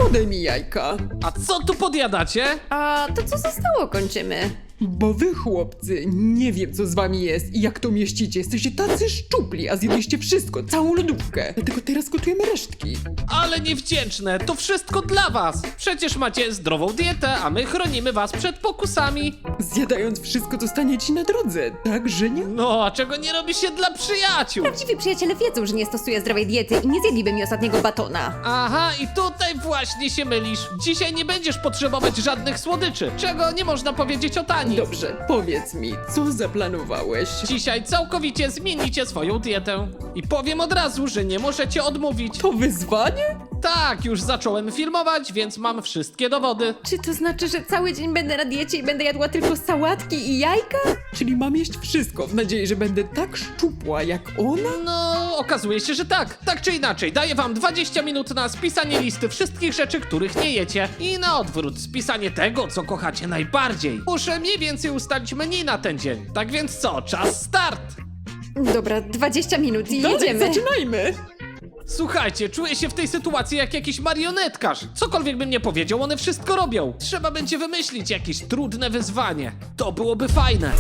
podaj mi jajka. A co tu podjadacie? A to co zostało kończymy? Bo wy, chłopcy, nie wiem co z wami jest i jak to mieścicie. Jesteście tacy szczupli, a zjedliście wszystko, całą lodówkę. Dlatego teraz gotujemy resztki. Ale niewdzięczne, to wszystko dla was. Przecież macie zdrową dietę, a my chronimy was przed pokusami. Zjadając wszystko, to stanie ci na drodze, tak, Żenia? No, a czego nie robi się dla przyjaciół? Prawdziwi przyjaciele wiedzą, że nie stosuję zdrowej diety i nie zjedliby mi ostatniego batona. Aha, i tutaj właśnie się mylisz. Dzisiaj nie będziesz potrzebować żadnych słodyczy, czego nie można powiedzieć o Tani. Dobrze, powiedz mi, co zaplanowałeś? Dzisiaj całkowicie zmienicie swoją dietę. I powiem od razu, że nie możecie odmówić. To wyzwanie? Tak, już zacząłem filmować, więc mam wszystkie dowody. Czy to znaczy, że cały dzień będę na diecie i będę jadła tylko sałatki i jajka? Czyli mam jeść wszystko w nadziei, że będę tak szczupła jak ona? No, okazuje się, że tak. Tak czy inaczej, daję wam 20 minut na spisanie listy wszystkich rzeczy, których nie jecie. I na odwrót, spisanie tego, co kochacie najbardziej. Muszę mniej więcej ustalić menu na ten dzień. Tak więc co, czas start! Dobra, 20 minut i Dalej, jedziemy. zaczynajmy! Słuchajcie, czuję się w tej sytuacji jak jakiś marionetkarz. Cokolwiek bym nie powiedział, one wszystko robią. Trzeba będzie wymyślić jakieś trudne wyzwanie. To byłoby fajne.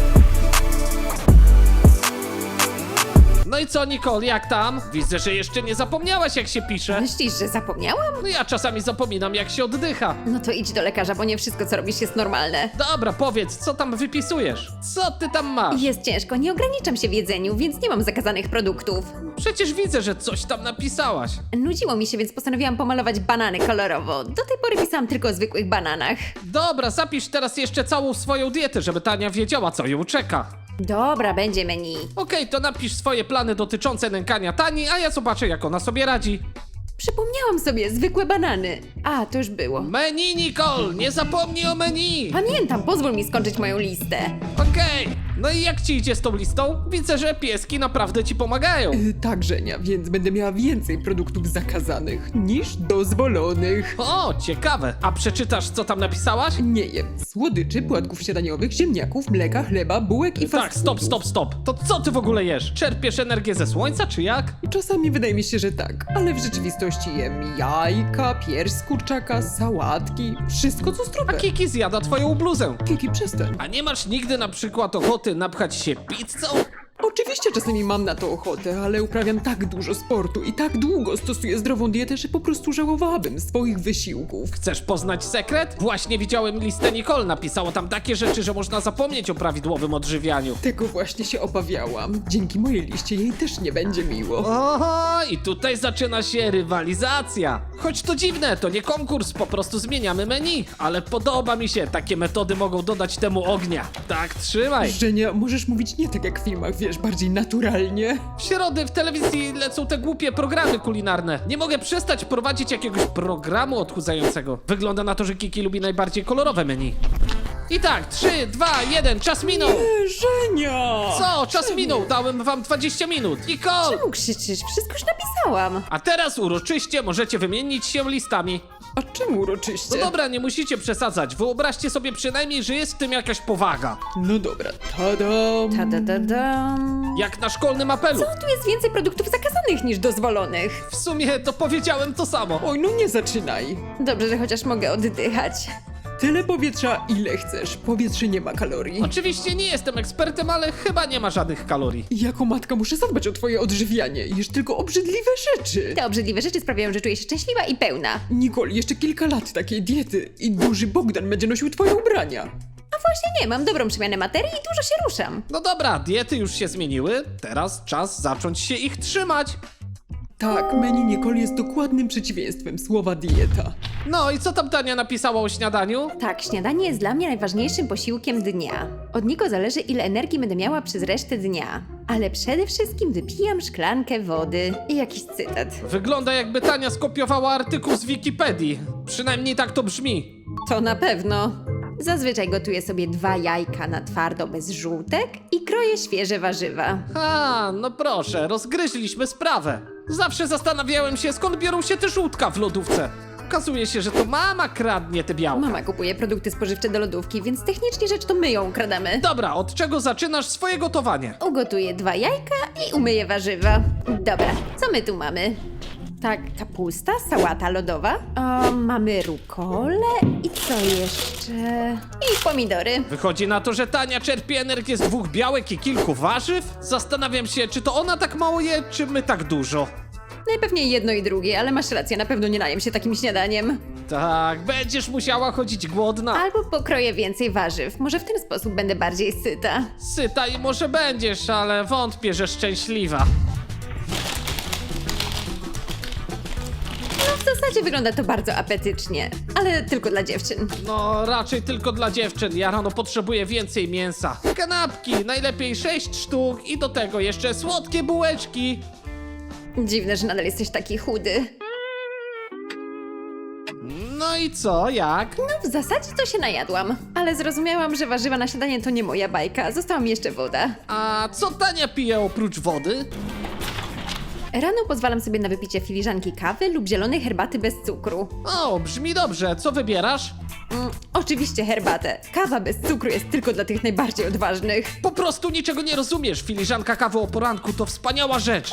No i co, Nicole, jak tam? Widzę, że jeszcze nie zapomniałaś, jak się pisze. Myślisz, że zapomniałam? No ja czasami zapominam, jak się oddycha. No to idź do lekarza, bo nie wszystko, co robisz, jest normalne. Dobra, powiedz, co tam wypisujesz? Co ty tam masz? Jest ciężko, nie ograniczam się w jedzeniu, więc nie mam zakazanych produktów. Przecież widzę, że coś tam napisałaś. Nudziło mi się, więc postanowiłam pomalować banany kolorowo. Do tej pory pisałam tylko o zwykłych bananach. Dobra, zapisz teraz jeszcze całą swoją dietę, żeby Tania wiedziała, co ją czeka. Dobra, będzie menu. Okej, to napisz swoje plany dotyczące nękania Tani, a ja zobaczę, jak ona sobie radzi. Przypomniałam sobie, zwykłe banany. A, to już było. Menu, Nicole! Nie zapomnij o menu! Pamiętam, pozwól mi skończyć moją listę. Okej, no i jak ci idzie z tą listą? Widzę, że pieski naprawdę ci pomagają. Tak, Żenia, więc będę miała więcej produktów zakazanych niż dozwolonych. O, ciekawe. A przeczytasz, co tam napisałaś? Nie jem słodyczy, płatków śniadaniowych, ziemniaków, mleka, chleba, bułek i fast Tak, stop, foodów. stop, stop. To co ty w ogóle jesz? Czerpiesz energię ze słońca, czy jak? Czasami wydaje mi się, że tak, ale w rzeczywistości jem jajka, pierś z kurczaka, sałatki, wszystko co A zdrowe. Kiki zjada twoją bluzę. Kiki, przestań. A nie masz nigdy na przykład ochoty napchać się pizzą? Oczywiście czasami mam na to ochotę, ale uprawiam tak dużo sportu i tak długo stosuję zdrową dietę, że po prostu żałowałabym swoich wysiłków. Chcesz poznać sekret? Właśnie widziałem listę Nicole. Napisało tam takie rzeczy, że można zapomnieć o prawidłowym odżywianiu. Tego właśnie się obawiałam. Dzięki mojej liście jej też nie będzie miło. Oho, i tutaj zaczyna się rywalizacja. Choć to dziwne, to nie konkurs, po prostu zmieniamy menu. Ale podoba mi się, takie metody mogą dodać temu ognia. Tak, trzymaj. Żenia, możesz mówić nie tak jak w filmach, wiesz, bardziej naturalnie. W środę w telewizji lecą te głupie programy kulinarne. Nie mogę przestać prowadzić jakiegoś programu odchudzającego. Wygląda na to, że Kiki lubi najbardziej kolorowe menu. I tak, 3, 2, 1, czas minął. Żenia! Co? Czas minął, dałem wam 20 minut. Nicole! Czemu krzyczysz? Wszystko już napisałam. A teraz uroczyście możecie wymienić się listami. A czemu uroczyście? No dobra, nie musicie przesadzać. Wyobraźcie sobie przynajmniej, że jest w tym jakaś powaga. No dobra, tadam! Ta-da-da-dam. Jak na szkolnym apelu. Co? Tu jest więcej produktów zakazanych niż dozwolonych. W sumie to powiedziałem to samo. Oj, no nie zaczynaj. Dobrze, że chociaż mogę oddychać. Tyle powietrza, ile chcesz. Powietrze nie ma kalorii. Oczywiście nie jestem ekspertem, ale chyba nie ma żadnych kalorii. Jako matka muszę zadbać o twoje odżywianie. Jesz tylko obrzydliwe rzeczy. Te obrzydliwe rzeczy sprawiają, że czuję się szczęśliwa i pełna. Nicole, jeszcze kilka lat takiej diety i duży Bogdan będzie nosił twoje ubrania. A właśnie nie, mam dobrą przemianę materii i dużo się ruszam. No dobra, diety już się zmieniły. Teraz czas zacząć się ich trzymać. Tak, menu Nicole jest dokładnym przeciwieństwem słowa dieta. No i co tam Tania napisała o śniadaniu? Tak, śniadanie jest dla mnie najważniejszym posiłkiem dnia. Od niego zależy, ile energii będę miała przez resztę dnia. Ale przede wszystkim wypijam szklankę wody. I jakiś cytat. Wygląda jakby Tania skopiowała artykuł z Wikipedii. Przynajmniej tak to brzmi. To na pewno. Zazwyczaj gotuję sobie 2 jajka na twardo bez żółtek i kroję świeże warzywa. A, no proszę, rozgryźliśmy sprawę. Zawsze zastanawiałem się, skąd biorą się te żółtka w lodówce. Okazuje się, że to mama kradnie te białka. Mama kupuje produkty spożywcze do lodówki, więc technicznie rzecz to my ją ukradamy. Dobra, od czego zaczynasz swoje gotowanie? Ugotuję 2 jajka i umyję warzywa. Dobra, co my tu mamy? Tak, kapusta, sałata lodowa. Mamy rukolę i co jeszcze? I pomidory. Wychodzi na to, że Tania czerpie energię z 2 białek i kilku warzyw? Zastanawiam się, czy to ona tak mało je, czy my tak dużo. Najpewniej jedno i drugie, ale masz rację, na pewno nie najem się takim śniadaniem. Tak, będziesz musiała chodzić głodna. Albo pokroję więcej warzyw, może w ten sposób będę bardziej syta. Syta i może będziesz, ale wątpię, że szczęśliwa. No w zasadzie wygląda to bardzo apetycznie, ale tylko dla dziewczyn. No, raczej tylko dla dziewczyn. Ja rano potrzebuję więcej mięsa. Kanapki, najlepiej 6 sztuk i do tego jeszcze słodkie bułeczki. Dziwne, że nadal jesteś taki chudy. No i co, jak? No w zasadzie to się najadłam, ale zrozumiałam, że warzywa na śniadanie to nie moja bajka, została mi jeszcze woda. A co Tania pije oprócz wody? Rano pozwalam sobie na wypicie filiżanki kawy lub zielonej herbaty bez cukru. O, brzmi dobrze. Co wybierasz? Oczywiście herbatę. Kawa bez cukru jest tylko dla tych najbardziej odważnych. Po prostu niczego nie rozumiesz. Filiżanka kawy o poranku to wspaniała rzecz.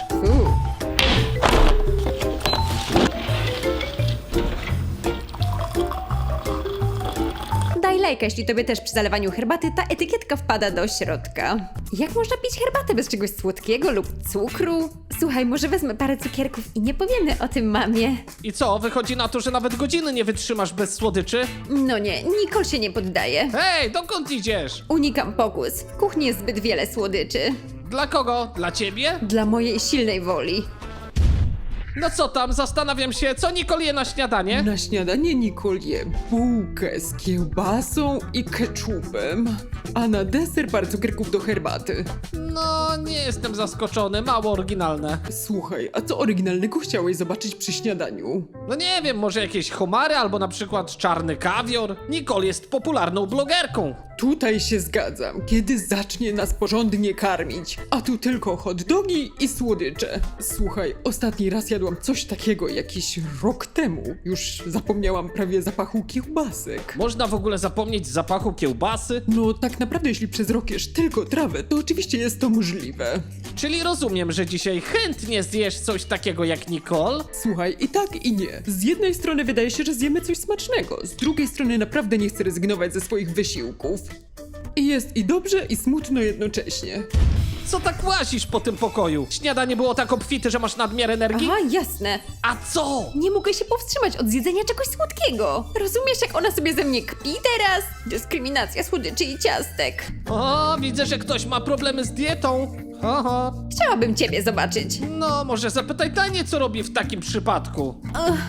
Daj lajka, jeśli tobie też przy zalewaniu herbaty ta etykietka wpada do środka. Jak można pić herbatę bez czegoś słodkiego lub cukru? Słuchaj, może wezmę parę cukierków i nie powiemy o tym mamie. I co, wychodzi na to, że nawet godziny nie wytrzymasz bez słodyczy? No nie, Nicole się nie poddaje. Hej, dokąd idziesz? Unikam pokus. W kuchni jest zbyt wiele słodyczy. Dla kogo? Dla ciebie? Dla mojej silnej woli. No co tam, zastanawiam się, co Nicole je na śniadanie? Na śniadanie Nicole je bułkę z kiełbasą i ketchupem, a na deser parę cukierków do herbaty. No, nie jestem zaskoczony, mało oryginalne. Słuchaj, a co oryginalnego chciałeś zobaczyć przy śniadaniu? No nie wiem, może jakieś homary albo na przykład czarny kawior? Nicole jest popularną blogerką. Tutaj się zgadzam, kiedy zacznie nas porządnie karmić, a tu tylko hot dogi i słodycze. Słuchaj, ostatni raz jadłam coś takiego jakiś rok temu. Już zapomniałam prawie zapachu kiełbasek. Można w ogóle zapomnieć zapachu kiełbasy? No tak naprawdę jeśli przez rok jesz tylko trawę, to oczywiście jest to możliwe. Czyli rozumiem, że dzisiaj chętnie zjesz coś takiego jak Nicole? Słuchaj, i tak i nie. Z jednej strony wydaje się, że zjemy coś smacznego, z drugiej strony naprawdę nie chcę rezygnować ze swoich wysiłków. I jest i dobrze, i smutno jednocześnie. Co tak łazisz po tym pokoju? Śniadanie było tak obfite, że masz nadmiar energii? Aha, jasne. A co? Nie mogę się powstrzymać od zjedzenia czegoś słodkiego. Rozumiesz, jak ona sobie ze mnie kpi teraz? Dyskryminacja słodyczy i ciastek. O, widzę, że ktoś ma problemy z dietą. Oho. Chciałabym ciebie zobaczyć. No, może zapytaj Tanię, co robi w takim przypadku.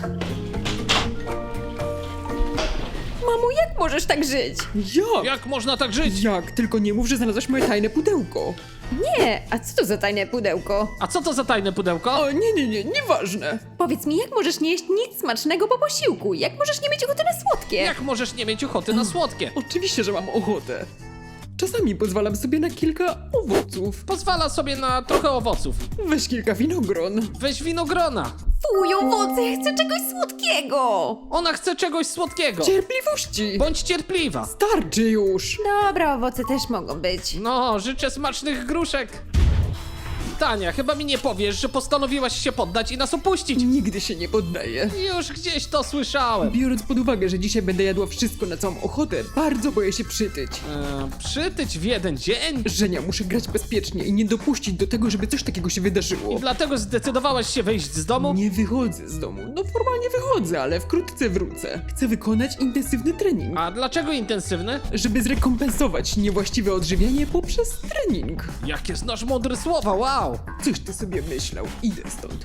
Mamo, jak możesz tak żyć? Jak? Jak można tak żyć? Jak? Tylko nie mów, że znalazłaś moje tajne pudełko. Nie, a co to za tajne pudełko? A co to za tajne pudełko? O, nie, nieważne. Powiedz mi, jak możesz nie jeść nic smacznego po posiłku? Jak możesz nie mieć ochoty na słodkie? Jak możesz nie mieć ochoty na słodkie? Oczywiście, że mam ochotę. Czasami pozwalam sobie na kilka owoców. Pozwala sobie na trochę owoców. Weź kilka winogron. Weź winogrona. Fuj, owoce, chcę czegoś słodkiego! Ona chce czegoś słodkiego. Cierpliwości! Bądź cierpliwa. Starczy już! Dobra, owoce też mogą być. No, życzę smacznych gruszek. Tania, chyba mi nie powiesz, że postanowiłaś się poddać i nas opuścić. Nigdy się nie poddaję. Już gdzieś to słyszałem. Biorąc pod uwagę, że dzisiaj będę jadła wszystko na całą ochotę, bardzo boję się przytyć. Przytyć w jeden dzień? Żenia, muszę grać bezpiecznie i nie dopuścić do tego, żeby coś takiego się wydarzyło. I dlatego zdecydowałaś się wyjść z domu? Nie wychodzę z domu. No formalnie wychodzę, ale wkrótce wrócę. Chcę wykonać intensywny trening, A dlaczego intensywny? żeby zrekompensować niewłaściwe odżywianie poprzez trening. Jakie znasz mądre słowa, wow! Coś ty sobie myślał. Idę stąd.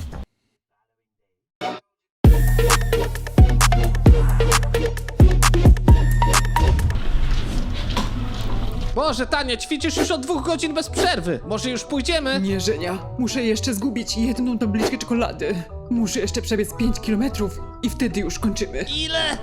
Boże, Tania, ćwiczysz już od 2 godzin bez przerwy. Może już pójdziemy? Nie, Żenia. Muszę jeszcze zgubić jedną tabliczkę czekolady. Muszę jeszcze przebiec 5 kilometrów i wtedy już kończymy. Ile?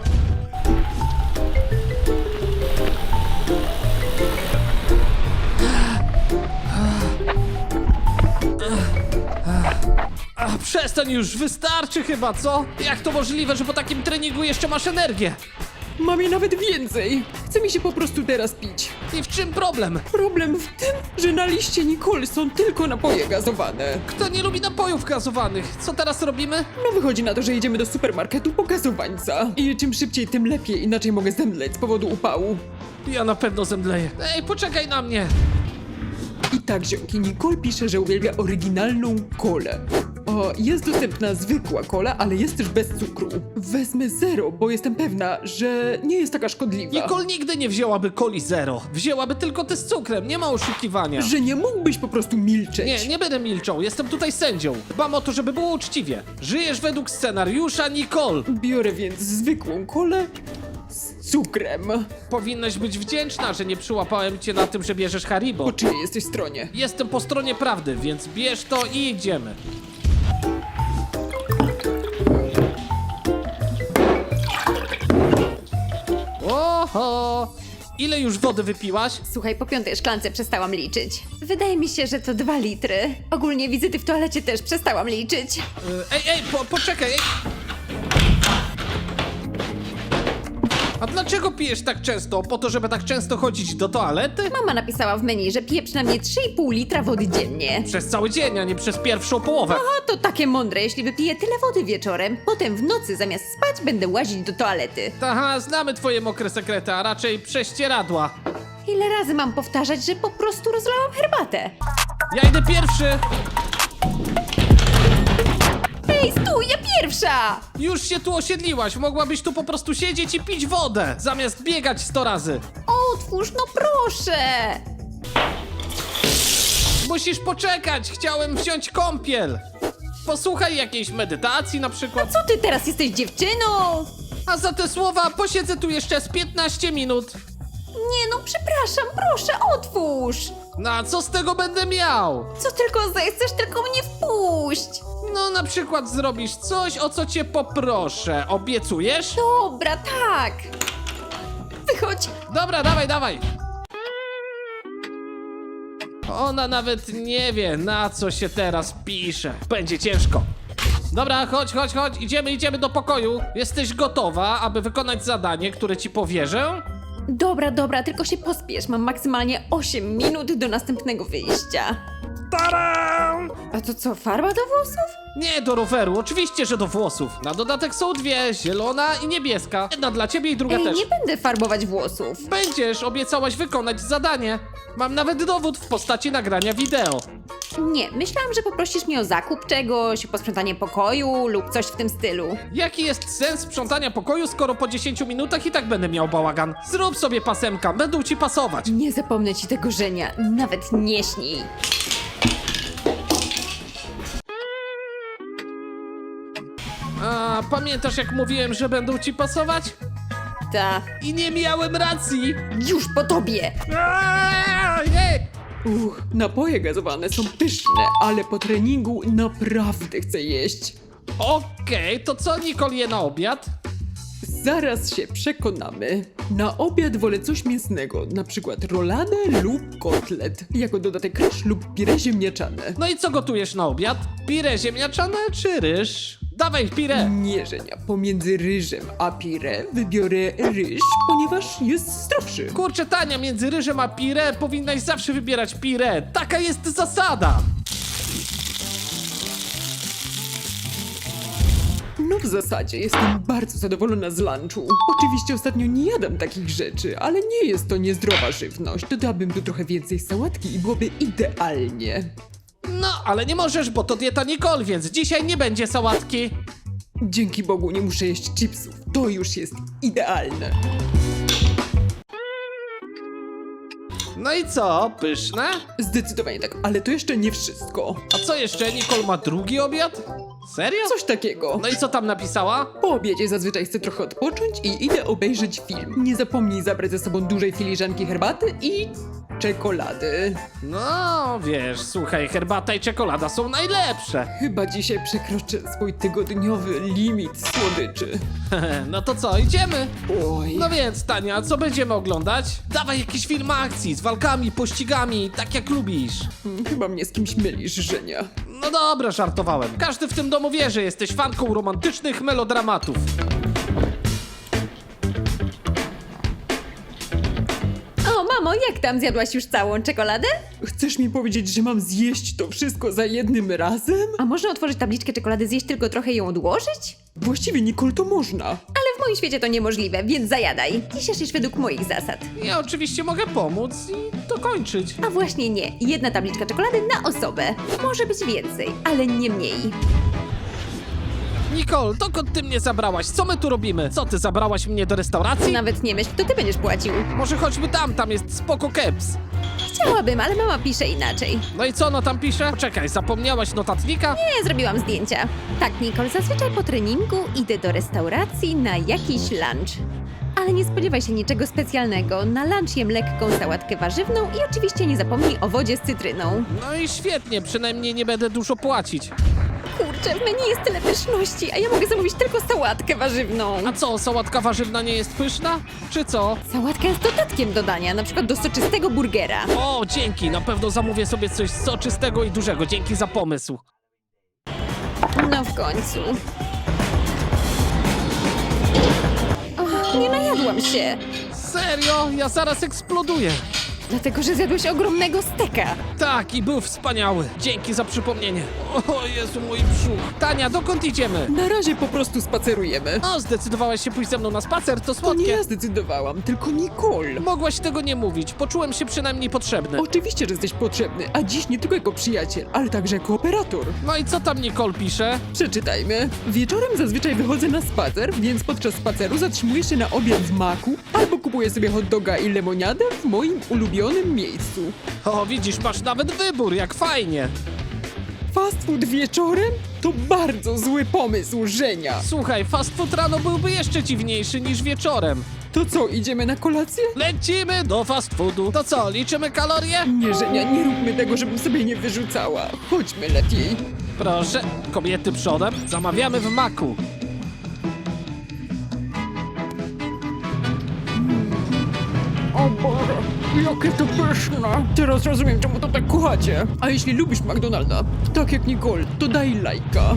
Przestań już, wystarczy chyba, co? Jak to możliwe, że po takim treningu jeszcze masz energię? Mam jej nawet więcej. Chce mi się po prostu teraz pić. I w czym problem? Problem w tym, że na liście Nicole są tylko napoje gazowane. Kto nie lubi napojów gazowanych? Co teraz robimy? No wychodzi na to, że jedziemy do supermarketu po gazowańca. I czym szybciej, tym lepiej, inaczej mogę zemdleć z powodu upału. Ja na pewno zemdleję. Ej, poczekaj na mnie. I tak, ziomki, Nicole pisze, że uwielbia oryginalną kolę. O, jest dostępna zwykła kola, ale jest też bez cukru. Wezmę zero, bo jestem pewna, że nie jest taka szkodliwa. Nicole nigdy nie wzięłaby coli zero. Wzięłaby tylko te z cukrem, nie ma oszukiwania. Że nie mógłbyś po prostu milczeć. Nie będę milczał, jestem tutaj sędzią. Dbam o to, żeby było uczciwie. Żyjesz według scenariusza Nicole. Biorę więc zwykłą kolę z cukrem. Powinnaś być wdzięczna, że nie przyłapałem cię na tym, że bierzesz Haribo. Po czyjej jesteś stronie? Jestem po stronie prawdy, więc bierz to i idziemy. Oho! Ile już wody wypiłaś? Słuchaj, po 5. szklance przestałam liczyć. Wydaje mi się, że to 2 litry. Ogólnie wizyty w toalecie też przestałam liczyć. Ej, poczekaj! Ej. A dlaczego pijesz tak często? Po to, żeby tak często chodzić do toalety? Mama napisała w menu, że pije przynajmniej 3,5 litra wody dziennie. Przez cały dzień, a nie przez pierwszą połowę. A to takie mądre, jeśli wypiję tyle wody wieczorem, potem w nocy zamiast spać będę łazić do toalety. Aha, znamy twoje mokre sekrety, a raczej prześcieradła. Ile razy mam powtarzać, że po prostu rozlałam herbatę? Ja idę pierwszy! Ej, stój, ja pierwsza! Już się tu osiedliłaś, mogłabyś tu po prostu siedzieć i pić wodę, zamiast biegać 100 razy. Otwórz, no proszę! Musisz poczekać, chciałem wziąć kąpiel. Posłuchaj jakiejś medytacji na przykład. Co ty teraz jesteś dziewczyną? A za te słowa posiedzę tu jeszcze z 15 minut. Nie no, przepraszam, proszę, otwórz! No a co z tego będę miał? Co tylko zechcesz, tylko mnie wpuść! No na przykład zrobisz coś, o co cię poproszę. Obiecujesz? Dobra, tak! Wychodź! Dobra, dawaj. Ona nawet nie wie, na co się teraz pisze. Będzie ciężko. Dobra, chodź, idziemy do pokoju. Jesteś gotowa, aby wykonać zadanie, które ci powierzę? Dobra, tylko się pospiesz, mam maksymalnie 8 minut do następnego wyjścia. Tadam! A to co, farba do włosów? Nie do roweru, oczywiście, że do włosów. Na dodatek są dwie, zielona i niebieska. Jedna dla ciebie i druga Ej, też. nie będę farbować włosów. Będziesz, obiecałaś wykonać zadanie. Mam nawet dowód w postaci nagrania wideo. Nie, myślałam, że poprosisz mnie o zakup czegoś, posprzątanie pokoju lub coś w tym stylu. Jaki jest sens sprzątania pokoju, skoro po 10 minutach i tak będę miał bałagan? Zrób sobie pasemka, będą ci pasować. Nie zapomnę ci tego żenia, nawet nie śnij. A pamiętasz jak mówiłem, że będą ci pasować? Ta, I nie miałem racji! już po tobie! Jej! Napoje gazowane są pyszne, ale po treningu naprawdę chcę jeść. Okej, to co Nicole je na obiad? Zaraz się przekonamy. Na obiad wolę coś mięsnego, na przykład roladę lub kotlet. Jako dodatek ryż lub pire ziemniaczane. No i co gotujesz na obiad? Pire ziemniaczane czy ryż? Dawaj pire! Nie, Żenia, pomiędzy ryżem a pire wybiorę ryż, ponieważ jest zdrowszy. Kurczę, Tania, między ryżem a pire powinnaś zawsze wybierać pire. Taka jest zasada. No w zasadzie jestem bardzo zadowolona z lunchu. Oczywiście ostatnio nie jadam takich rzeczy, ale nie jest to niezdrowa żywność. Dodałabym tu trochę więcej sałatki i byłoby idealnie. No, ale nie możesz, bo to dieta Nicole, więc dzisiaj nie będzie sałatki. Dzięki Bogu nie muszę jeść chipsów. To już jest idealne. No i co, pyszne? Zdecydowanie tak, ale to jeszcze nie wszystko. A co jeszcze, Nicole ma drugi obiad? Serio? Coś takiego. No i co tam napisała? Po obiedzie zazwyczaj chcę trochę odpocząć i idę obejrzeć film. Nie zapomnij zabrać ze sobą dużej filiżanki herbaty i czekolady. No, wiesz, słuchaj, herbata i czekolada są najlepsze. Chyba dzisiaj przekroczę swój tygodniowy limit słodyczy. No to co, idziemy? Oj. No więc, Tania, co będziemy oglądać? Dawaj jakiś film akcji, z walkami, pościgami, tak jak lubisz. Chyba mnie z kimś mylisz, Żenia. No dobra, żartowałem. Każdy w tym domu wie, że jesteś fanką romantycznych melodramatów. jak tam? Zjadłaś już całą czekoladę? Chcesz mi powiedzieć, że mam zjeść to wszystko za jednym razem? A można otworzyć tabliczkę czekolady, zjeść tylko trochę i ją odłożyć? Właściwie, Nicole, to można. Ale w moim świecie to niemożliwe, więc zajadaj. Dziś jesz według moich zasad. Ja oczywiście mogę pomóc i dokończyć. A właśnie nie. Jedna tabliczka czekolady na osobę. Może być więcej, ale nie mniej. Nicole, dokąd ty mnie zabrałaś? Co my tu robimy? Co, ty zabrałaś mnie do restauracji? Nawet nie myśl, to ty będziesz płacił. Może chodźmy tam jest spoko keps. Chciałabym, ale mama pisze inaczej. No i co ona tam pisze? Poczekaj, zapomniałaś notatnika? Nie, zrobiłam zdjęcia. Tak, Nicole, zazwyczaj po treningu idę do restauracji na jakiś lunch. Ale nie spodziewaj się niczego specjalnego. Na lunch jem lekką sałatkę warzywną i oczywiście nie zapomnij o wodzie z cytryną. No i świetnie, przynajmniej nie będę dużo płacić. Kurczę, w menu jest tyle pyszności, a ja mogę zamówić tylko sałatkę warzywną. A co, sałatka warzywna nie jest pyszna? Czy co? Sałatka jest dodatkiem do dania, na przykład do soczystego burgera. O, dzięki, na pewno zamówię sobie coś soczystego i dużego, dzięki za pomysł. No w końcu. Och, nie najadłam się, Serio? Ja zaraz eksploduję. dlatego że zjadłeś ogromnego steka. Tak, i był wspaniały. Dzięki za przypomnienie. O Jezu, mój brzuch. Tania, dokąd idziemy? Na razie po prostu spacerujemy. O, zdecydowałaś się pójść ze mną na spacer, to To nie słodkie. ja zdecydowałam, tylko Nicole. Mogłaś tego nie mówić, poczułem się przynajmniej potrzebny. Oczywiście, że jesteś potrzebny, a dziś nie tylko jako przyjaciel, ale także jako operator. No i co tam Nicole pisze? Przeczytajmy. Wieczorem zazwyczaj wychodzę na spacer, więc podczas spaceru zatrzymuję się na obiad w Maku albo kupuję sobie hot doga i lemoniadę w moim ulubionym miejscu. O, widzisz, masz nawet wybór, jak fajnie. Fast food wieczorem? To bardzo zły pomysł, Żenia. Słuchaj, fast food rano byłby jeszcze dziwniejszy niż wieczorem. To co, idziemy na kolację? Lecimy do fast foodu. To co, liczymy kalorie? Nie, Żenia, nie róbmy tego, żebym sobie nie wyrzucała. Chodźmy lepiej. Proszę, kobiety przodem. Zamawiamy w Maku. O Boże, jakie to pyszne. Teraz rozumiem, czemu to tak kochacie. A jeśli lubisz McDonalda, tak jak Nicole, to daj lajka.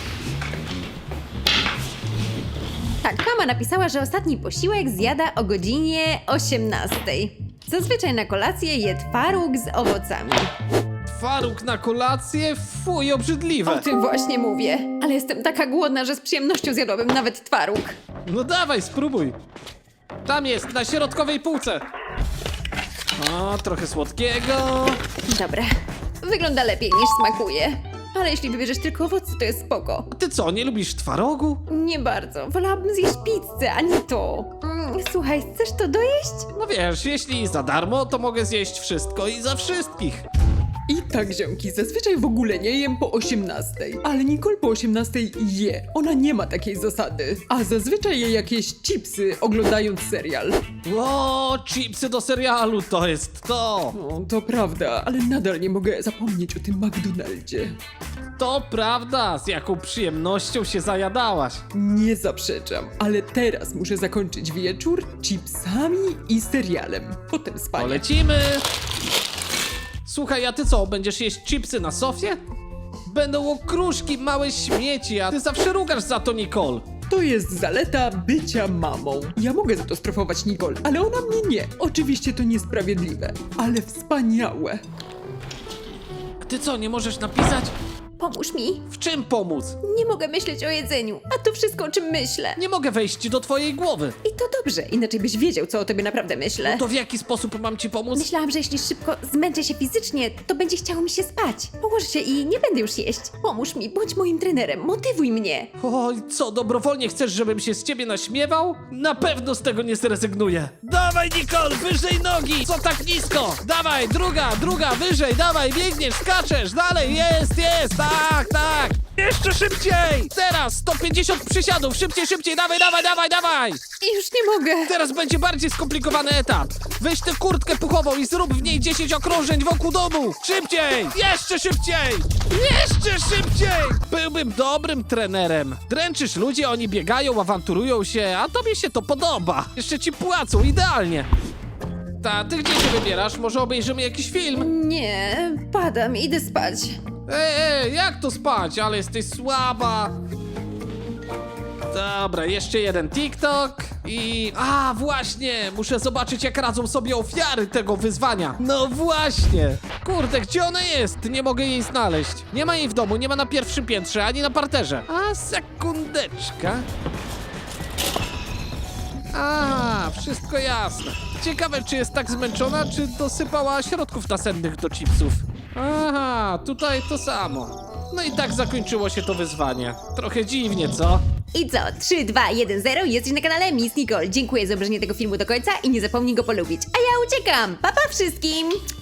Tak, mama napisała, że ostatni posiłek zjada o godzinie 18. Zazwyczaj na kolację je twaróg z owocami. Faruk na kolację? Fuj, obrzydliwe. O tym właśnie mówię. Ale jestem taka głodna, że z przyjemnością zjadłabym nawet twaróg. No dawaj, spróbuj. Tam jest, na środkowej półce. O, trochę słodkiego. Dobra, wygląda lepiej niż smakuje. Ale jeśli wybierzesz tylko owoce, to jest spoko. A ty co, nie lubisz twarogu? Nie bardzo. Wolałabym zjeść pizzę, a nie to. Słuchaj, chcesz to dojeść? No wiesz, jeśli za darmo, to mogę zjeść wszystko i za wszystkich. I tak, ziomki, zazwyczaj w ogóle nie jem po 18, ale Nicole po 18 je. Ona nie ma takiej zasady. A zazwyczaj je jakieś chipsy, oglądając serial. O, chipsy do serialu, to jest to. No, to prawda, ale nadal nie mogę zapomnieć o tym McDonaldzie. To prawda, z jaką przyjemnością się zajadałaś. Nie zaprzeczam, ale teraz muszę zakończyć wieczór chipsami i serialem. Potem spanie. Polecimy. Słuchaj, a ty co, będziesz jeść chipsy na sofie? Będą okruszki, małe śmieci, a ty zawsze rugasz za to, Nicole. To jest zaleta bycia mamą. Ja mogę za to strofować Nicole, ale ona mnie nie. Oczywiście to niesprawiedliwe, ale wspaniałe. Ty co, nie możesz napisać? Pomóż mi. W czym pomóc? Nie mogę myśleć o jedzeniu, a to wszystko, o czym myślę. Nie mogę wejść do twojej głowy. I to dobrze, inaczej byś wiedział, co o tobie naprawdę myślę. To w jaki sposób mam ci pomóc? Myślałam, że jeśli szybko zmęczę się fizycznie, to będzie chciało mi się spać. Położę się i nie będę już jeść. Pomóż mi, bądź moim trenerem, motywuj mnie. Oj, co, dobrowolnie chcesz, żebym się z ciebie naśmiewał? Na pewno z tego nie zrezygnuję. Dawaj, Nicole, wyżej nogi! Co tak nisko? Dawaj, druga, wyżej, dawaj, biegniesz, skaczesz, dalej, jest, tak! Jeszcze szybciej! Teraz 150 przysiadów, szybciej, dawaj! I już nie mogę. Teraz będzie bardziej skomplikowany etap. Weź tę kurtkę puchową i zrób w niej 10 okrążeń wokół domu. Szybciej! Jeszcze szybciej! Byłbym dobrym trenerem. Dręczysz ludzi, oni biegają, awanturują się, a tobie się to podoba. Jeszcze ci płacą, idealnie. Ty gdzie się wybierasz? Może obejrzymy jakiś film? Nie, padam, idę spać. Ej, jak to spać? Ale jesteś słaba. Dobra, jeszcze jeden TikTok. A, właśnie! Muszę zobaczyć, jak radzą sobie ofiary tego wyzwania. No właśnie! Kurde, gdzie ona jest? Nie mogę jej znaleźć. Nie ma jej w domu, nie ma na pierwszym piętrze, ani na parterze. A, sekundeczka. A, wszystko jasne. Ciekawe, czy jest tak zmęczona, czy dosypała środków nasennych do chipsów. Aha, tutaj to samo. No i tak zakończyło się to wyzwanie. Trochę dziwnie, co? I co? 3, 2, 1, 0. Jesteś na kanale Miss Nicole. Dziękuję za obejrzenie tego filmu do końca i nie zapomnij go polubić. A ja uciekam. Pa, pa wszystkim!